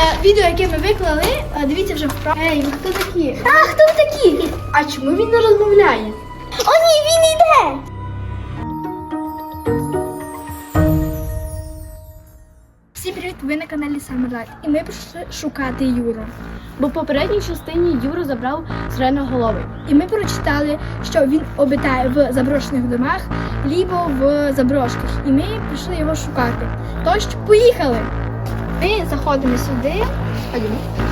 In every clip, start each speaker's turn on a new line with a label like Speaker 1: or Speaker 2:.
Speaker 1: Відео, яке ми виклали, дивіться вже вправо. Ей, ви хто такі? А, хто ви такі? А чому він не розмовляє? О, ні, він йде! Всім привіт, ви на каналі Самерлайт. І ми прийшли шукати Юру.
Speaker 2: Бо в попередній частині Юру забрав сиреноголовий.
Speaker 1: І ми прочитали, що він обитає в заброшених домах, либо в заброшках. І ми прийшли його шукати. Тож, поїхали! Ми заходимо сюди.
Speaker 2: Ходімо.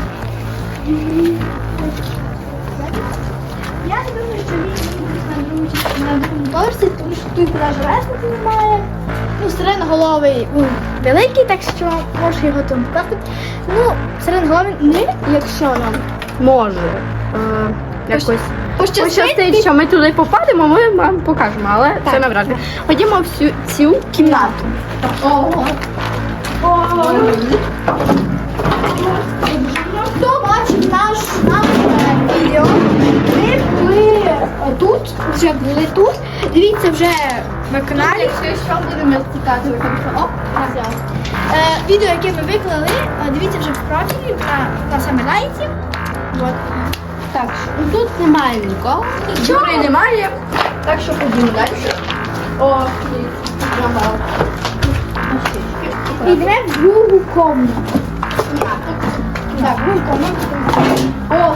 Speaker 1: Я не думаю, що він на другому поверсі, тому що тут навіть лестниці немає. Ну, сиреноголовий великий, так що можу його там покласти. Ну, сиреноголовий не, якщо нам
Speaker 2: Може. Якось
Speaker 1: пощастить,
Speaker 2: пощастить, що ми туди попадемо, ми вам покажемо, але це навряд ли. Ходімо в цю кімнату.
Speaker 1: Ого! Хто бачив наш відео, ми були тут, вже були тут. Дивіться вже на каналі.
Speaker 2: Що будемо цікати, ви кажете, оп,
Speaker 1: Відео, яке ми виклали, дивіться вже в профілі на Самерлайті. Вот.
Speaker 2: Так, тут немає нікого. Юри немає, так що ходімо далі. О,
Speaker 1: Йдемо в другу комнату.
Speaker 2: Так, другу комнату. О,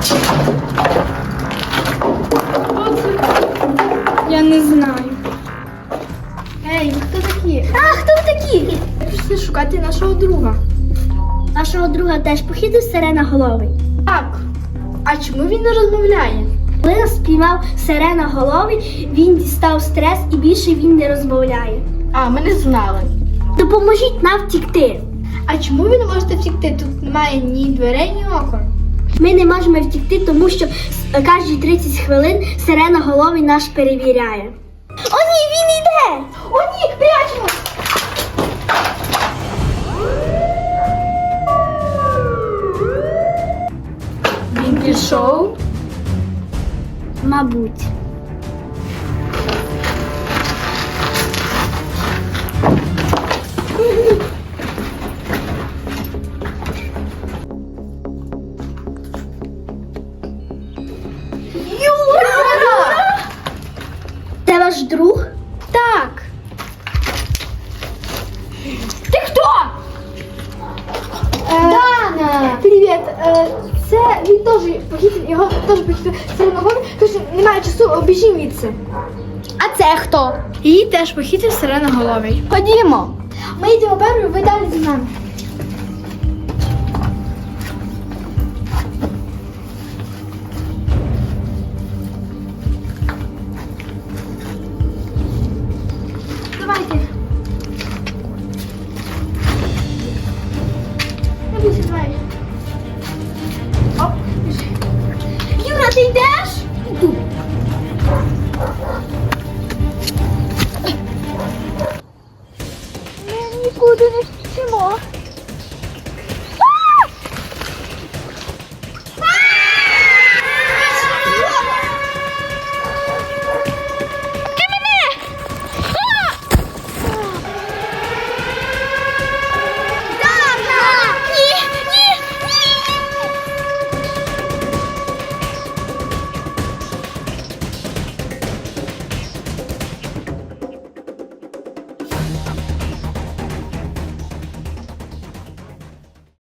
Speaker 1: Я не знаю. Ей, ви хто такі? А, хто ви такі? Ми прийшли шукати нашого друга.
Speaker 3: Нашого друга теж похитив сиреноголовий.
Speaker 1: Так. А чому він не розмовляє?
Speaker 3: Коли нас спіймав сиреноголовий, він дістав стрес і більше він не розмовляє.
Speaker 2: а, ми не знали.
Speaker 3: Допоможіть нам втікти.
Speaker 1: А чому ви не можете втікти? Тут немає ні дверей, ні окон.
Speaker 3: Ми не можемо втікти, тому що кожні 30 хвилин сиреноголовий нас перевіряє.
Speaker 1: О, ні, він йде! О, ні, прячемо!
Speaker 2: Він пішов.
Speaker 3: Мабуть.
Speaker 1: Юра!
Speaker 3: Це ваш друг?
Speaker 1: Так. Ти хто?
Speaker 3: Дана!
Speaker 1: Привіт. Це він теж похитив, його теж похитив сиреноголовий, тож немає часу, обіжім відси.
Speaker 3: А це хто?
Speaker 1: Її теж похитив сиреноголовий.
Speaker 2: Ходімо.
Speaker 1: Ми йдемо першою, ви далі за нами.